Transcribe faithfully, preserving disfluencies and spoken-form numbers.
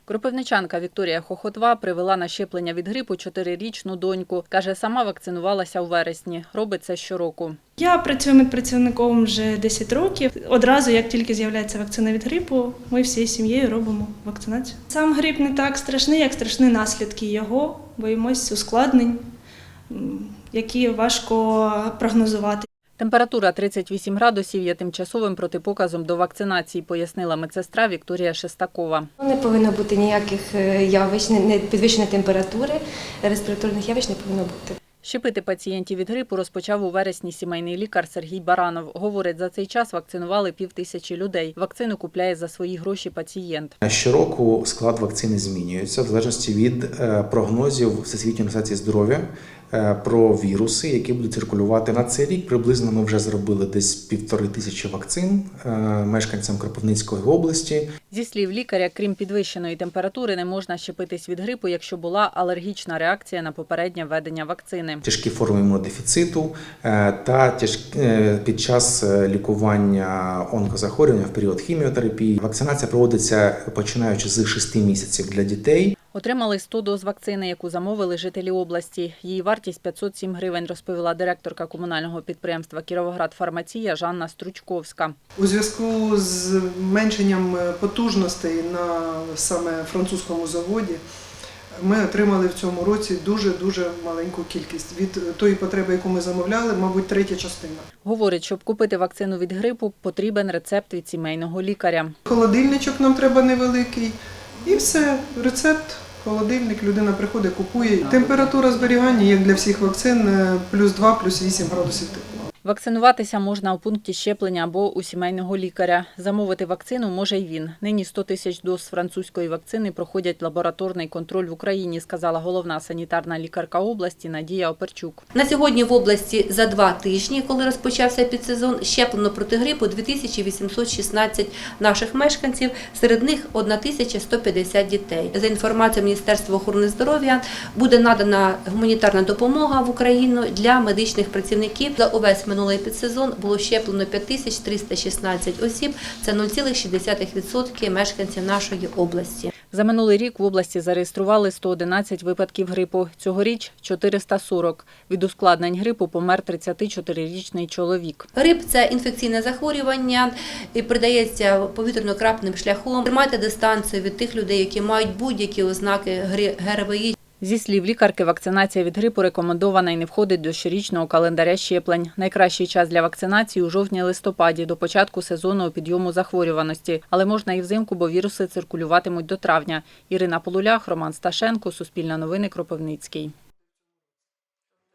Кропивничанка Вікторія Хохотва привела на щеплення від грипу чотирирічну доньку. Каже, сама вакцинувалася у вересні. Робить це щороку. Я працюю медпрацівником вже десять років. Одразу, як тільки з'являється вакцина від грипу, ми всією сім'єю робимо вакцинацію. Сам грип не так страшний, як страшні наслідки його. Боїмось ускладнень, які важко прогнозувати. Температура тридцять вісім градусів є тимчасовим протипоказом до вакцинації, пояснила медсестра Вікторія Шестакова. Не повинно бути ніяких явищ, не підвищеної температури, респіраторних явищ не повинно бути. Щепити пацієнтів від грипу розпочав у вересні сімейний лікар Сергій Баранов. Говорить, за цей час вакцинували півтисячі людей. Вакцину купляє за свої гроші пацієнт. Щороку склад вакцини змінюється в залежності від прогнозів Всесвітньої організації здоров'я про віруси, які будуть циркулювати. На цей рік приблизно ми вже зробили десь півтори тисячі вакцин мешканцям Кропивницької області. Зі слів лікаря, крім підвищеної температури, не можна щепитись від грипу, якщо була алергічна реакція на попереднє введення вакцини. Тяжкі форми імунодефіциту та під час лікування онкозахворювання в період хіміотерапії. Вакцинація проводиться починаючи з шести місяців для дітей. Отримали сто доз вакцини, яку замовили жителі області. Її вартість п'ятсот сім гривень, розповіла директорка комунального підприємства «Кіровоградфармація» Жанна Стручковська. У зв'язку з зменшенням потужностей на саме французькому заводі ми отримали в цьому році дуже-дуже маленьку кількість. Від тої потреби, яку ми замовляли, мабуть, третя частина. Говорить, щоб купити вакцину від грипу, потрібен рецепт від сімейного лікаря. Холодильничок нам треба невеликий. І все, рецепт, холодильник, людина приходить, купує. Температура зберігання, як для всіх вакцин, плюс два, плюс вісім градусів тепла. Вакцинуватися можна у пункті щеплення або у сімейного лікаря. Замовити вакцину може й він. Нині сто тисяч доз французької вакцини проходять лабораторний контроль в Україні, сказала головна санітарна лікарка області Надія Оперчук. На сьогодні в області за два тижні, коли розпочався підсезон, щеплено проти грипу дві тисячі вісімсот шістнадцять наших мешканців, серед них тисяча сто п'ятдесят дітей. За інформацією Міністерства охорони здоров'я, буде надана гуманітарна допомога в Україну для медичних працівників. За увесь минулий підсезон було щеплено п'ять тисяч триста шістнадцять осіб, це нуль цілих шість десятих відсотка мешканців нашої області. За минулий рік в області зареєстрували сто одинадцять випадків грипу. Цьогоріч – чотириста сорок. Від ускладнень грипу помер тридцятичотирирічний чоловік. Грип – це інфекційне захворювання і передається повітряно-крапним шляхом. Тримайте дистанцію від тих людей, які мають будь-які ознаки ГРВІ. Зі слів лікарки, вакцинація від грипу рекомендована і не входить до щорічного календаря щеплень. Найкращий час для вакцинації – у жовтні-листопаді, до початку сезонного підйому захворюваності. Але можна і взимку, бо віруси циркулюватимуть до травня. Ірина Полулях, Роман Сташенко, Суспільне новини, Кропивницький.